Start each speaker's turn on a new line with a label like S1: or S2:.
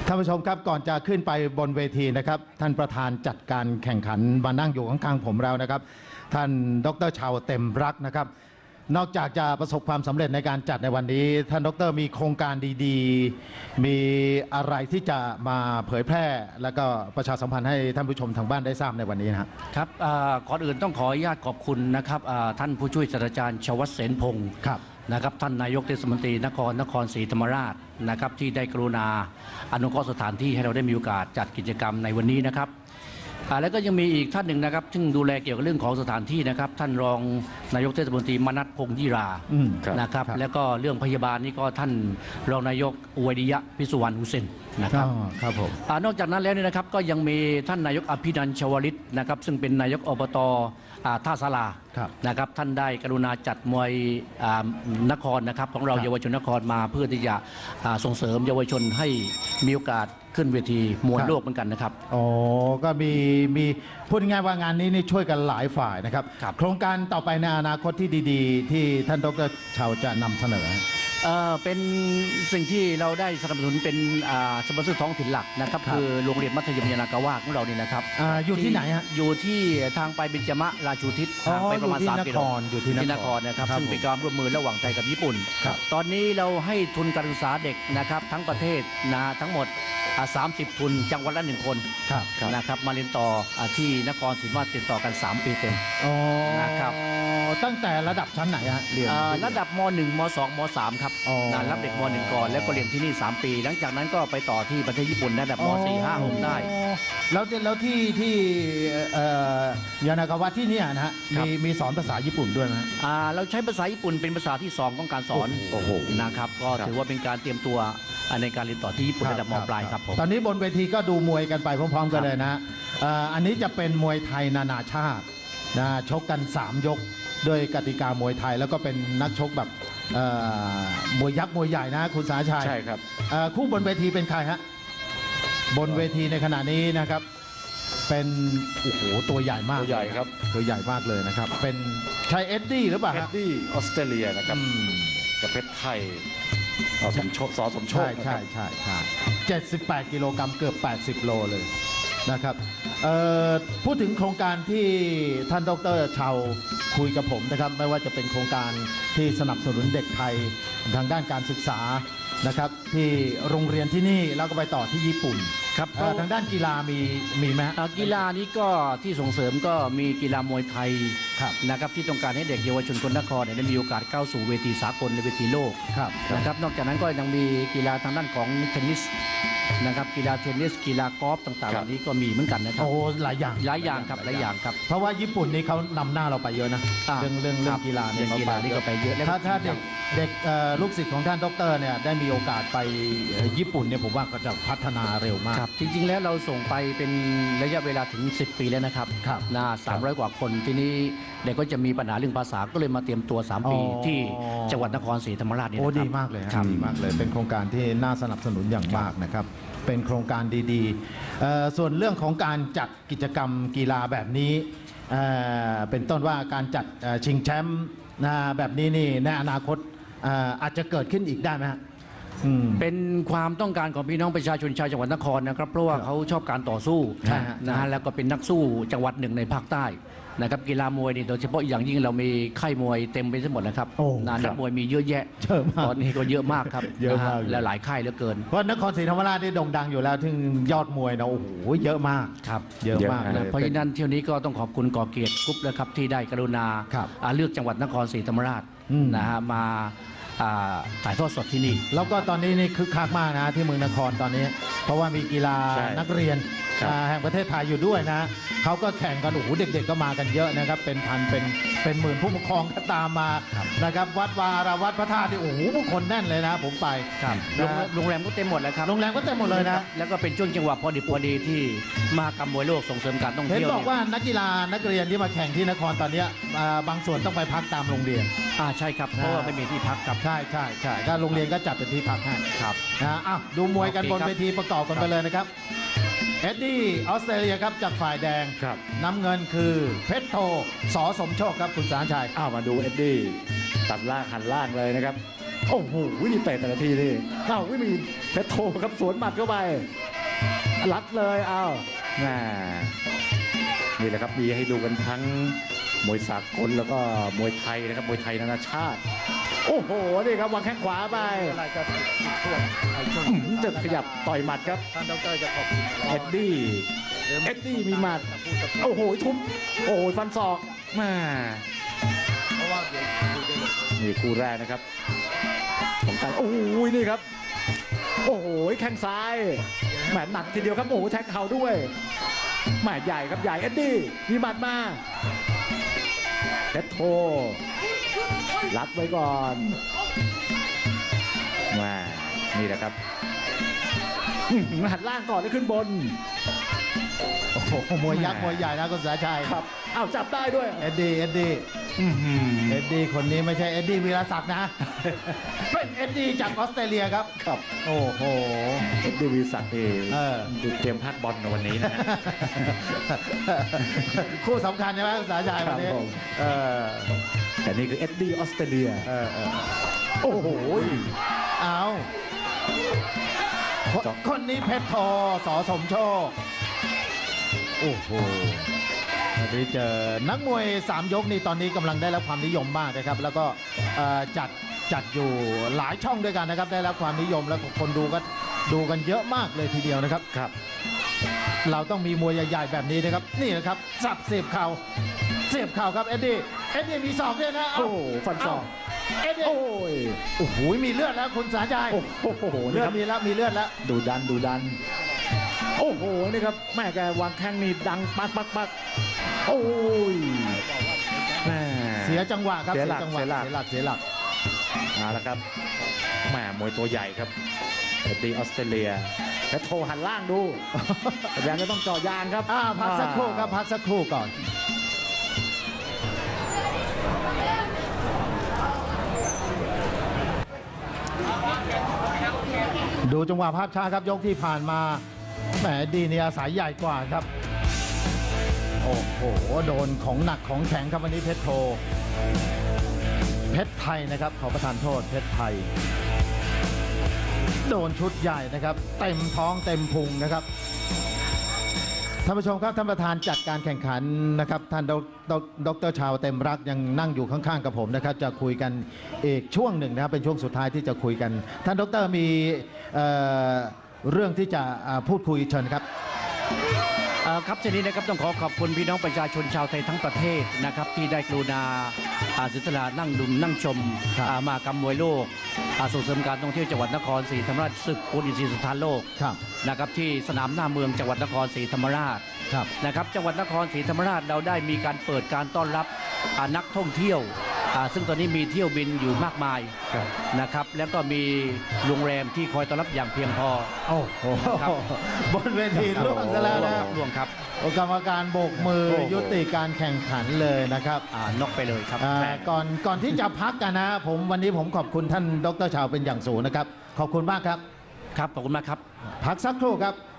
S1: ท่านผู้ชมครับก่อนจะขึ้นไปบนเวทีนะครับท่านประธานจัดการแข่งขันมานั่งอยู่ข้างๆผมแล้วนะครับท่านดร.ชาวเต็มรักนะครับนอกจากจะประสบความสำเร็จในการจัดในวันนี้ท่านดร.มีโครงการดีๆมีอะไรที่จะมาเผยแพร่แล้วก็ประชาสัมพันธ์ให้ท่านผู้ชมทางบ้านได้ทราบในวันนี้นะครับ
S2: ก่อนอื่นต้องขออนุญาตขอบคุณนะครับท่านผู้ช่วยศาสตราจารย์ชวัฒน์เสนพงศ์นะครับท่านนายกเทศมนตรีนครศรีธรรมราชนะครับที่ได้กรุณาอนุเคราะห์สถานที่ให้เราได้มีโอกาสจัดกิจกรรมในวันนี้นะครับแล้วก็ยังมีอีกท่านหนึ่งนะครับซึ่งดูแลเกี่ยวกับเรื่องของสถานที่นะครับท่านรองนายกเทศมนตรีมนัสพงษ์ยี่รานะครับแล้วก็เรื่องพยาบาลนี่ก็ท่านรองนายกอวยดิยะพิสุวรรณฮุเซนนะครับ
S1: ครับผม
S2: นอกจากนั้นแล้วเนี่ยนะครับก็ยังมีท่านนายกอภินันท์ชวลิตนะครับซึ่งเป็นนายกอบต.ท่าสารานะครับท่านได้กรุณาจัดมวยนครนะครับของเราเยาวชนนครมาเพื่อที่จะส่งเสริมเยาวชนให้มีโอกาสขึ้นเวทีมวยโลกเหมือนกันนะครับ
S1: อ๋อก็มีพูดง่ายๆว่างานนี้นี่ช่วยกันหลายฝ่ายนะครับโครงการต่อไปในอนาคตที่ดีๆที่ท่านดร.ชาวจะนำเสนอ
S2: เป็นสิ่งที่เราได้สนับสนุนเป็นสปอนเซอร์ท้องถิ่นหลักนะครับคือโรงเรียนมัธยมยานากาวาของเรานี่นะครับ
S1: อยู่ที่ไหนฮะ
S2: อยู่ที่ทางไปเบญจมะราชูทิศทางไปประมาณ3 กิโล
S1: อยู่ที่นคร
S2: นะครับซึ่งเป็นการร่วมมือระหว่างไทยกับญี่ปุ่นตอนนี้เราให้ทุนการศึกษาเด็กนะครับทั้งประเทศทั้งหมด30 ทุนจังหวัดละ1 คนนะครับมาเรียนต่อที่นครศรีธรรมราชเรียนต่อกัน3 ปีเต็ม
S1: นะครับตั้งแต่ระดับชั้นไหนฮะเรียน
S2: ระดับม.1 ม.2 ม.3 ครับรับเด็กม.1 ก่อนแล้วก็เรียนที่นี่3 ปีหลังจากนั้นก็ไปต่อที่ประเทศญี่ปุ่นระดับม.4 5 6ได้
S1: แล้วที่ยานากาวะที่นี่นะฮะมีสอนภาษาญี่ปุ่นด้วยไหม
S2: เราใช้ภาษาญี่ปุ่นเป็นภาษาที่2ของการสอนนะครับก็ถือว่าเป็นการเตรียมตัวในการเรียนต่อที่ญี่ปุ่นระดับม.ปลายครับ
S1: ตอนนี้บนเวทีก็ดูมวยกันไปพร้อมๆกันเลยนะอันนี้จะเป็นมวยไทยนานาชาตินะชกกัน3 ยกด้วยกติกามวยไทยแล้วก็เป็นนักชกแบบมวยยักษ์มวยใหญ่นะคุณสาชัย
S3: ใช่ครับ
S1: คู่บนเวทีเป็นใครฮะบนเวทีในขณะนี้นะครับเป็นโอ้โหตัวใหญ่มาก
S3: ตัวใหญ่ครับ
S1: ตัวใหญ่มากเลยนะครับเป็นชัยเอ็ดดี้หรือเปล่า
S3: เอ็ดดี้ออสเตรเลียนะครับกับเพชรไทยสมโชค
S1: ใช่78 กิโลกรัมเกือบ80 โลเลยนะครับพูดถึงโครงการที่ท่านดร.ชาวคุยกับผมนะครับไม่ว่าจะเป็นโครงการที่สนับสนุนเด็กไทยทางด้านการศึกษานะครับที่โรงเรียนที่นี่แล้วก็ไปต่อที่ญี่ปุ่น
S2: ครับ
S1: ทางด้านกีฬามีไหม
S2: กีฬานี้ก็ที่ส่งเสริมก็มีกีฬามวยไทยนะครับที่ต้องการให้เด็กเยาวชนคนนครได้มีโอกาสก้าวสู่เวทีสากลในเวทีโลกนะครับนอกจากนั้นก็ยังมีกีฬาทางด้านของเทนนิสนะครับกีฬาเทนนิสกีฬากอล์ฟต่างๆเหล่านี้ก็มีเหมือนกันนะครับ
S1: โอ้หลายอย่าง
S2: ครับหลายอย่างครับ
S1: เพราะว่าญี่ปุ่นนี่เขานำหน้าเราไปเยอะนะเรื่องกีฬา
S2: เนี่ยเขาไปเยอะ
S1: ถ้าเด็กลูกศิษย์ของท่านดร.เนี่ยได้มีโอกาสไปญี่ปุ่นเนี่ยผมว่าก็จะพัฒนาเร็วมาก
S2: จริงๆแล้วเราส่งไปเป็นระยะเวลาถึง10 ปีแล้วนะครับ300 กว่าคนทีนี้เด็กก็จะมีปัญหาเรื่องภาษาก็เลยมาเตรียมตัว3 ปีที่จังหวัดนครศรีธรรมราชนี่นะครับ
S1: ดีมากเลยดีมากเลยเป็นโครงการที่น่าสนับสนุนอย่างมากนะครับเป็นโครงการดีๆส่วนเรื่องของการจัดกิจกรรมกีฬาแบบนี้เป็นต้นว่าการจัดชิงแชมป์แบบนี้นี่ในอนาคตอาจจะเกิดขึ้นอีกได้ไหมฮะ
S2: เป็นความต้องการของพี่น้องประชาชนชาวจังหวัดนครนะครับเพราะว่าเขาชอบการต่อสู้นะฮะแล้วก็เป็นนักสู้จังหวัดหนึ่งในภาคใต้นะครับกีฬามวยนี่โดยเฉพาะอย่างยิ่งเรามีค่ายมวยเต็มไปทั้งหมดนะครับนักมวยมีเยอะแยะตอนนี้ก็เยอะมากครับ
S1: เยอะมาก
S2: และหลายค่ายเหลือเกิน
S1: เพราะนครศรีธรรมราชได้โด่งดังอยู่แล้วถึงยอดมวยนะโอ้โหเยอะมาก
S2: ครับ
S1: เยอะมากเลย
S2: เพราะฉะนั้นเที่ยวนี้ก็ต้องขอบคุณก่อเกียรติกรุ๊ปนะครับที่ได้กรุณาเลือกจังหวัดนครศรีธรรมราชนะฮะมาถ่ายทอดสดที่นี่
S1: แล้วก็ตอนนี้นี่คึกคักมากนะที่เมืองนครตอนนี้เพราะว่ามีกีฬานักเรียนแห่งประเทศไทยอยู่ด้วยนะเขาก็แข่งกันโอ้โหเด็กๆก็มากันเยอะนะครับเป็นพันเป็นหมื่นผู้ปกครองก็ตามมานะครับวัดวาราวัดพระธาตุที่โอ้โหผู้คนแน่นเลยนะผมไป
S2: โรงแรมก็เต็มหมดแล้วครับ
S1: โรงแรมก็เต็มหมดเลยนะ
S2: แล้วก็เป็นช่วงจังหวะพอดีที่มากรรมมวยโลกส่งเสริมการท่องเที่ยว
S1: เห็นบอกว่านักกีฬานักเรียนที่มาแข่งที่นครตอนนี้บางส่วนต้องไปพักตามโรงเรียน
S2: ใช่ครับเพราะว่าไม่มีที่พักครับ
S1: ใช่ก็โรงเรียนก็จัดเป็นที่พักให้
S2: ครับ
S1: ดูมวยกันบนเวทีประกอบกันไปเลยนะครับเอ็ดดี้ออสเตรเลียครับจากฝ่ายแดงน้ำเงินคือเพชรโทส.สมโชคครับคุณสารชัย
S3: มาดูเอ็ดดี้ตัดล่างหันล่างเลยนะครับ
S4: โอ้โหนี่เตะแต่ละทีนี่เอ้าไม่มีเพชรโทครับสวนหมัดเข้าไปรัดเลยเอ้าน่านี่แหละครับมีให้ดูกันทั้งมวยสากลแล้วก็มวยไทยนะครับมวยไทยนานาชาติโอ้โหนี่ครับวางแข้งขวาไป
S2: อะไรก็ช่วง
S4: จะขยับต่อยหมัดครับ
S2: ท่านดรจะขอบคุณ
S4: เอ็ดดี้มีหมัดโอ้โหทุบโอ้โหฟันศอกมา
S2: เพราะว่าเดี๋ยวคุยได้เลย
S4: นี่คู่แรกนะครับของการโอ้โหนี่ครับโอ้โหแข้งซ้ายแหมหนักทีเดียวครับโอ้โหแทงเข่าด้วยแหมใหญ่ครับใหญ่เอ็ดดี้มีหมัดมาเพชรโทรัดไว้ก่อนมานี่แหละครับหันล่างก่อนแล้วขึ้นบน
S1: โอ้โหมวยยักษ์มวยใหญ่นะคุณสาชัย
S4: ครับอ้าวจับได้ด้วย
S1: เอ็ดดี้คนนี้ไม่ใช่เอ็ดดี้วีรศักดิ์นะ เป็นเอ็ดดี้จากออสเตรเลียครับ
S4: ครับ
S1: โอ้โห
S4: เอ็ดดี้วีศักดิ์นี่
S1: เออ
S4: เตรียมพลาดบอลในวันนี้นะ
S1: คู่สำคัญใช่ไหมคุณสาชัยวันนี้
S4: ครับผม
S1: เออ
S4: แต่นี่คือเอ็ดดี้ออสเตรเลีย
S1: เออ
S4: โอ้โห
S1: เอาคนนี้เพชรโทสอสมโชค โอ้โหวันนี้เจอนักมวย3ยกนี่ตอนนี้กำลังได้รับความนิยมมากนะครับ แล้วก็จัดอยู่หลายช่องด้วยกันนะครับ ได้รับความนิยมแล้วคนดูก็ดูกันเยอะมากเลยทีเดียวนะครับ
S4: ครับ
S1: เราต้องมีมวยใหญ่ๆแบบนี้นะครับ นี่นะครับสับเสียบเข่าครับเอ็ดดี้มีศอกด้วยนะ
S4: โอ้โหฟันศอก
S1: เอ็ดดี้
S4: โอ้ย
S1: โอ้โหมีเลือดแล้วคุณสาชัย
S4: โอ้โห
S1: เลื
S4: นี่
S1: อ
S4: ค
S1: ด
S4: รับ
S1: มีแล้วมีเลือดแล้ว
S4: ดูดัน โอ้โห นี่ครับ แม่แกวางแข้งนี่ดังปัก โอ้ยแม่
S1: เสียจังหวะครับ
S4: เสียหลัก
S1: จังหวะเสียหลัก
S4: เอาละครับแม่มวยตัวใหญ่ครับเอ็ดดี้ออสเตรเลียแล้วโทรหันล่างดู พยายามจะต้องเจาะยางครับ
S1: พักสักครู่ครับพักสักครู่ก่อน ดูจังหวะภาพช้าครับยกที่ผ่านมาแหมดีนี่อาศัยใหญ่กว่าครับ โอ้โหโดนของหนักของแข็งครับวันนี้เพชรโทเพชรไทยนะครับขอประทานโทษเพชรไทย โดนชุดใหญ่นะครับเต็มท้องเต็มพุงนะครับท่านผู้ชมครับท่านประธานจัดการแข่งขันนะครับท่านดร.ชาวเต็มรักยังนั่งอยู่ข้างๆกับผมนะครับจะคุยกันอีกช่วงหนึ่งนะครับเป็นช่วงสุดท้ายที่จะคุยกันท่านดร.มีเรื่องที่จะพูดคุยเชิญครับ
S2: ครับทีนี้นะครับต้องขอขอบคุณพี่น้องประชาชนชาวไทยทั้งประเทศนะครับที่ได้กรุณาเสียสละนั่งดูนั่งชม
S1: ครับ
S2: มหกรรมมวยโลกส่งเสริมการท่องเที่ยวจังหวัดนครศรีธรรมราชศึกโอลิมปิกสถานโลก
S1: ครับ
S2: นะครับที่สนามหน้าเมืองจังหวัดนครศรีธรรมราช
S1: ครับ
S2: นะครับจังหวัดนครศรีธรรมราชเราได้มีการเปิดการต้อนรับนักท่องเที่ยวซึ่งตอนนี้มีเที่ยวบินอยู่มากมายนะครับแล้วก็มีโรงแรมที่คอยต้อนรับอย่างเพียงพอ
S1: โอ้โห
S2: ครับ
S1: บนเวทีล่วงซะแล้วนะ
S2: ล่วงครับ
S1: กรรมการโบกมือ
S4: โอ้โห
S1: ยุติการแข่งขันเลยนะครับ
S2: นอกไปเลยครับ
S1: ก่อนที่จะพักกันนะวันนี้ผมขอบคุณท่านดร.ชาวเป็นอย่างสูงนะครับขอบคุณมากครับ
S2: ครับขอบคุณมากครับ
S1: พักสักครู่ครับ